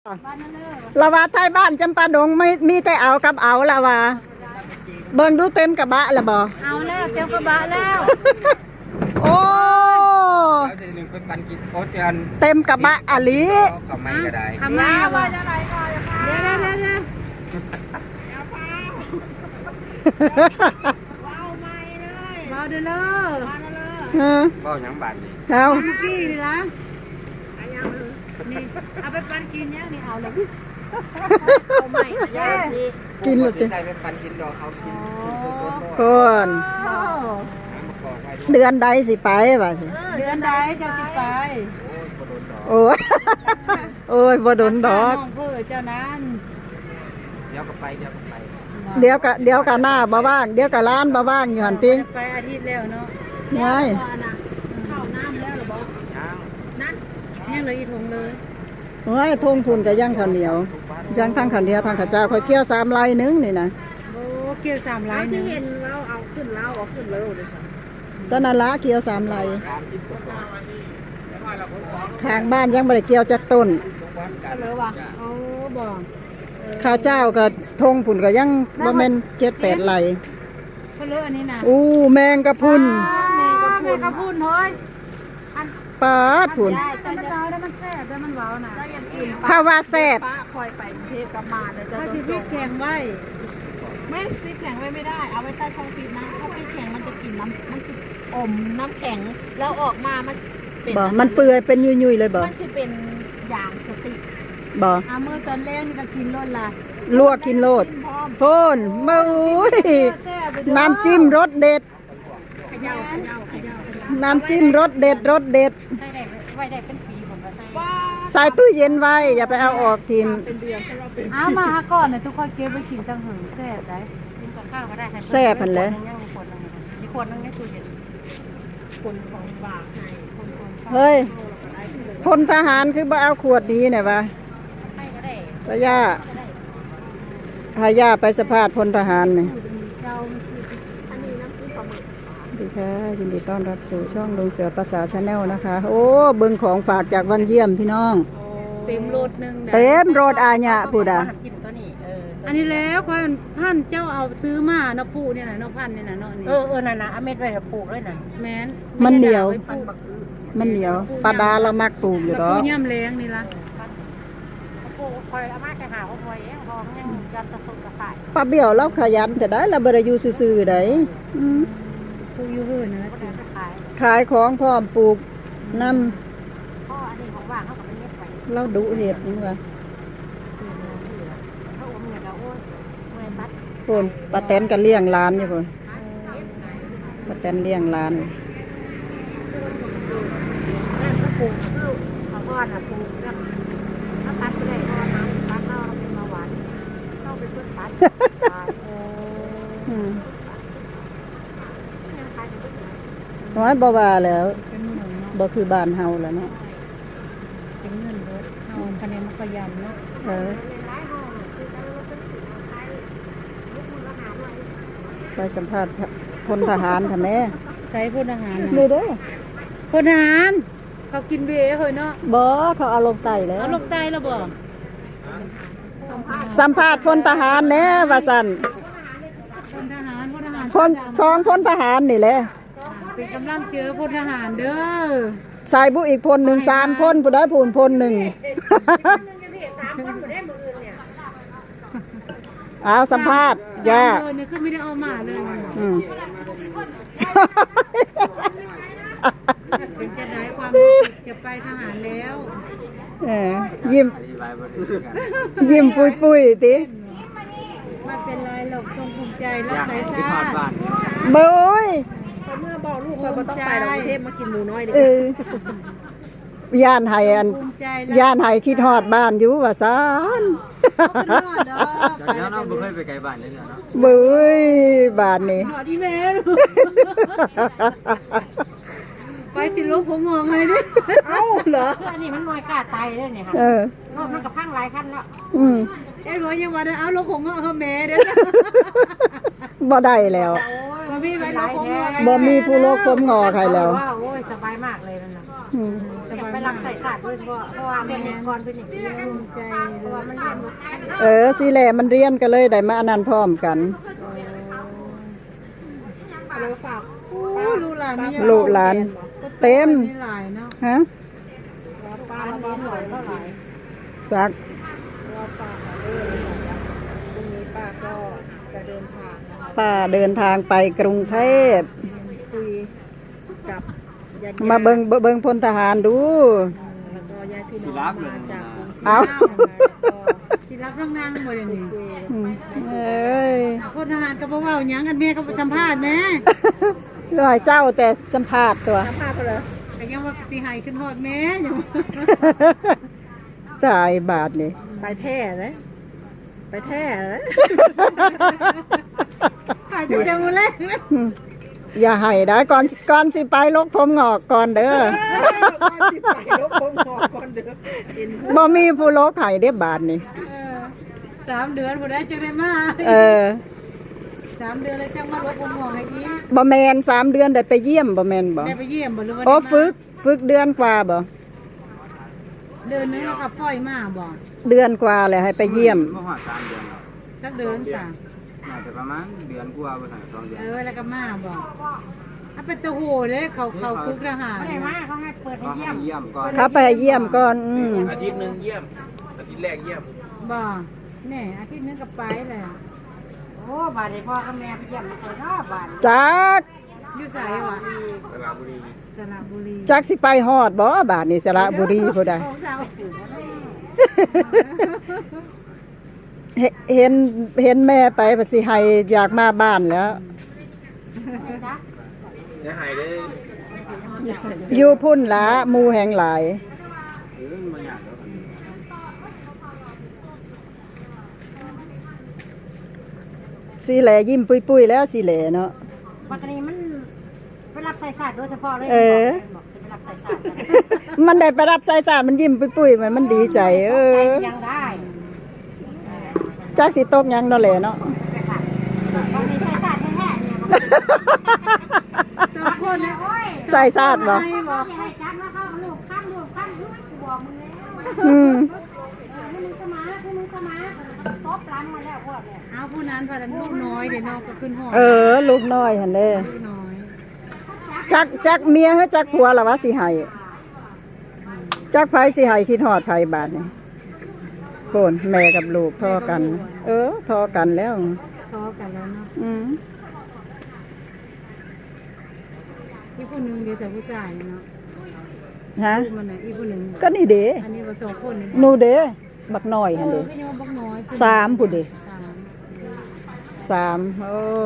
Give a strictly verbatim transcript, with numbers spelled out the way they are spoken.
ละว่าไทยบ้านจำปาดงไม่มีแต่เอากับเอาละว่าเบิ่งดูเต็มกระบะละบ่เอาแล้วเต็มกระบะแล้วโอ้เต็มกระบะอะลิทำไมก็ได้ทำไมว่าจะไรก่อนเดี๋ยวเดี๋ยวเดี๋ยวเดี๋ยวว้าวไม่เลยว้าวเด้อเลยว้าวยังบาดนี่เอาเมื่อกี้นี่ละนี่เอาไปปั่นกินเนี่ยนี่เอาเลยเอาใหม่กินเลยสิใส่ไปปั่นกินดอกเขากินคนเดือนใดสิไปวะสิเดือนใดจะสิไปโอ้ยโอ้ยบ่โดนดอกเพื่อเจ้านั้นเดี๋ยวก็ไปเดี๋ยวก็ไปเดี๋ยวก็เดี๋ยวก็หน้าบ่ว่างเดี๋ยวก็ร้านบ่ว่างอยู่หั่นติไปอาทิตย์แล้วเนาะไงเข้าน้ำแล้วหรือบ่ยังนั่นยังเลยอีทงเลยโอ้ยทงพุ่นก็ย่างข้าวเหนียวย่างทั้งข้าวเหนียวทั้งข้าวเจ้าค่อยเกี่ยวสามไร่นึงนี่นะโอ้เกี่ยวสามไร่ที่เห็นเราเอาขึ้นเราเอาขึ้นเลยเลยค่ะตอนนั้นละเกี่ยวสามไร่ทางบ้านยังไม่ได้เกี่ยวจากต้นเลยว่ะโอ้บอกข้าวเจ้าก็ทงพุ่นก็ยังบ่แม่นเจ็ดแปดไร่เขาเลอะอันนี้นะอู้แมงกะพุนแมงกะพุนกะพุนเฮ้ยปาดพุ่นมันเว้าได้มันแซ่บได้มันเว้าน่ะข้าวว่าแซ่บป้าคอยไปเทพกับมาแต่จะโดนจงแข็งไว้ไม่ฟิตแข็งไว้ไม่ได้เอาไว้ใต้ช่องฟิตนะถ้าฟิตแข็งมันจะกินน้ำมันจะอมน้ำแข็งแล้วออกมามันเป็นบ่มันเปื่อยเป็นยุ่ยๆเลยบ่มันจะเป็นอย่างสติบ่อาเมื่อตอนแรกนี่ก็กินรสละลวกกินโลดพ่นมาอุ้ยน้ำจิ้มรสเด็ดน้ำจิ้มรสเด็ดรสเด็ดไว้ได้เป็นปีผมก็ใส่ตู้เย็นไว้อย่าไปเอาออกทีมเอามาหาก่อนเนี่ยทุกคนเก็บไปกินจังหือแซ่บได้กินกับข้าวก็ได้แซ่บพันเลยมีคนนั่งในตู้เย็นคนของฝากเฮ้ยพลทหารคือบ่เอาขวดนี้เนี่ยวะพะย่าพะย่าไปสภาพพลทหารเนี่ยสวัสดีค่ะยินดีต้อนรับสู่ช่องลุงเสือภาษาชาแนลนะคะโอ้เบิ่งของฝากจากวันเยี่ยมพี่น้องเต็มรถนึงเต็มรถอาญะพูดอ่ะอันนี้แล้วควายพันเจ้าเอาซื้อมาเนาะปูเนี่ยนะเนาะพันเนี่ยนะเนาะนี่เออเออน่ะนะเอาเม็ดไว้ปลูกเลยนะแม่นมันเหนียวมันเหนียวปลาดาเรามักปลูกอยู่หรอปูย่ำแรงนี่ละปลูกคอยเอามาแค่หาเอาคอยเองพอยังยันตะสุกตะไคร้ปลาเบี้ยวเราขยันแต่ได้เราบริยูซื่อๆได้ปูอยู่เฮือนนะขายของพร้อมปลูกน้ำพ่ออันนี้ของว่างเขาก็ไม่เม็ดไว้เราดุเห็ดนี่วะคนปลาแตนก็เลี้ยงร้านอยู่คนปลาแตนเลี้ยงร้านปลูกเขาก้อนอ่ะปลูกแล้วถ้าตัดไปได้ก็น้ำตัดเข้าเป็นมาหวานเข้าไปเพื่อตัดน้อยบ่ว่าแล้วบ่คือบ้านเฮาแล้วเนาะเป็นเงินรถเฮาคะแนนมันก็ยำเนาะเออไปสัมภาษณ์พลทหารค่ะแม่ใส่พลทหารนี่เด้อพลทหารเขากินเบียร์เฮ้ยเนาะบ่เขาเอาลงไตแล้วเอาลงไตแล้วบ่สัมภาษณ์พลทหารแน่ว่าซั่นพลทหารพลทหารพลสองพลทหารนี่แหละเป็นกำลังเจอพลทหารเด้อสายบุอีกพลหนึ่งสามพลผู้ได้ผู้พลหนึ่งเอาสัมภาษณ์ย่าเนี่ยคือไม่ได้เอามาเลยเป็นจะได้ความจะไปทหารแล้วยิ้มยิ้มปุยปุยติไม่เป็นไรหรอกจงภูมิใจรักสายชาติเบ้ยเมื่อบอกลูกคอยมาต้องไปเรากรุงเทพมากินหมูน้อยดิย่านไห้อันย่านไห้คิดฮอดบ้านอยู่ว่าซ่านจากนั้นเราไม่เคยไปไกลบ้านเลยเนาะเบ้ยบ้านนี่หอดีแม่ไปสิลูกผมมองให้ดิเอ้าเหรออันนี้มันน้อยกล้าตายเลยเนี่ยค่ะรถมันกับพังหลายคันแล้วอืมเอ้ยบอกยังว่าเอาลูกผมเอาเขาแม่เด้อบ่ได้แล้วบ่มีไว้ลูกผมบ่มีผู้โลกผมงอใครแล้วโอ้ยสบายมากเลยนั่นน่ะอยากไปรักใส่ศาสตร์ยเฉพาะเพราะว่าเป็นเด็กก่อนเป็นเด็กดีภูมิใจเพราะว่ามันเรียนเออสิแหละมันเรียนก็เลยได้มาอันนั้นพร้อมกันเราฝากลูกหลานนี่ลูกหลานเต็มนี่หลายเนาะฮะป้าเราหน่อยเท่าไหร่จักเราฝากเออพรุ่งนี้ป้าก็จะเดินทางนะคะป้าเดินทางไปกรุงเทพคุยกับญาติมาเบิงเบิงพลทหารดูแล้วก็ญาติพี่น้องมาจากกรุงเทพเอาสิรับร่างนางบ่ได้นี่อืมเอ้ยคนทหารก็บ่เว้าหยังกันแม่ก็สัมภาษณ์แม่ร้อยเจ้าแต่สัมภาษณ์ตัวสัมภาษณ์ก็เลยแต่ยังว่าสิให้ขึ้นฮอดแม่ยังตายบาทนี่ไปแท้เลยไปแท้เลย ถ่ายจุดเดียวมือแรกนะอืมอย่าให้ได้ก่อนก่อนสิไปลกผมงอกก่อนเด้อก็สิไปลบผมหอกก่อนเด้อเห็นบ่มีผู้ลกให้เด้อบาทนี่สามเดือนพอได้จังได้มาเออสามเดือนแล้วจังมาลบผมหอกให้อีกบ่แมนสามเดือนได้ไปเยี่ยมบ่แมนบ่ได้ไปเยี่ยมบ่หรือว่าโอ้ได้มาฝึกฝึกเดือนกว่าบ่เดือนนึงแล้วก็ปล่อยมาบ่เดือนกว่าเลยให้ไปเยี่ยมเมื่อหอดสามเดือนหรอกสักเดือนจ้ะน่าจะประมาณเดือนกว่าไปถึงสองเดือนเออแล้วก็มาบ่ถ้าเป็นตะโหเลยเขาเขาคุกทหารไม่ได้มาเขาให้เปิดให้ก็เยี่ให้ยมเยี่ยมก่อนเขาไปเยี่ยมก่อนอืมอาทิตย์หนึ่งเยี่ยม อาทิตย์แรกเยี่ยมบ่แน่อาทิตย์นึงก็ไปเลยโอ้บาดนี้พ่อกับแม่ไปเยี่ยมมาใส่เนาะบาดจักอยู่ไสวะสระบุรีสระบุรีจักสิไปฮอดบ่บาทนี่สระบุรีผู้ใดของสาวเห็นเห็นเห็นแม่ไปปสิให้อยากมาบ้านแล้วจะหายได้อยู่พุ่นละหมู่แห่งหลายเออมันยากแล้วกันสีแหลยิ้มปุยๆแล้วสีแหลเนาะปกติมันไปรับใส่ศาสตร์โดยเฉพาะเลยเออบอกจะไปรับใส่ศาสตร์มันได้ไปรับสายสารมันยิ้มปุยๆมันมันดีใจ เอใจอยังได้จักสิตกหยังเนาะแหละเนาะใส่ศาสตร์บางทีใส่ศาสตร์แท้ๆเนี่ยสองคนนะโอ้ยใส่ซาดบ่ให้บอกให้จับมาเข้าลูกข้ามลูกข้ามลูกกูบอกมึงแล้วอืมเออให้มึงสมาให้มึงสมาตบหลังมาแล้วพวกเนี่ยเอาผู้นั้นพาดันลูกน้อยเดี๋ยวน้องก็ขึ้นห้องเออ ลูกน้อยหั่นเด้ลูกน้อยจักจักเมียเฮาจักผัวล่ะวะสิให้จักไผสิให้คิดฮอดไผบาดนี่โคนแม่กับลูกทอกัน เออทอกันแล้วทอกันแล้วเนาะอืมอีกผู้หนึงเดี๋ยวจะผู้ชายเนาะฮะลูกมันน่ะอีกผู้หนึงก็นี่เด้อันนี้ว่าสองคนนี่หนูเด้บักน้อยหั่นเอเด้อพี่น้องบักน้อยผู้หนึ่งสามผู้เด้สามสามโอ้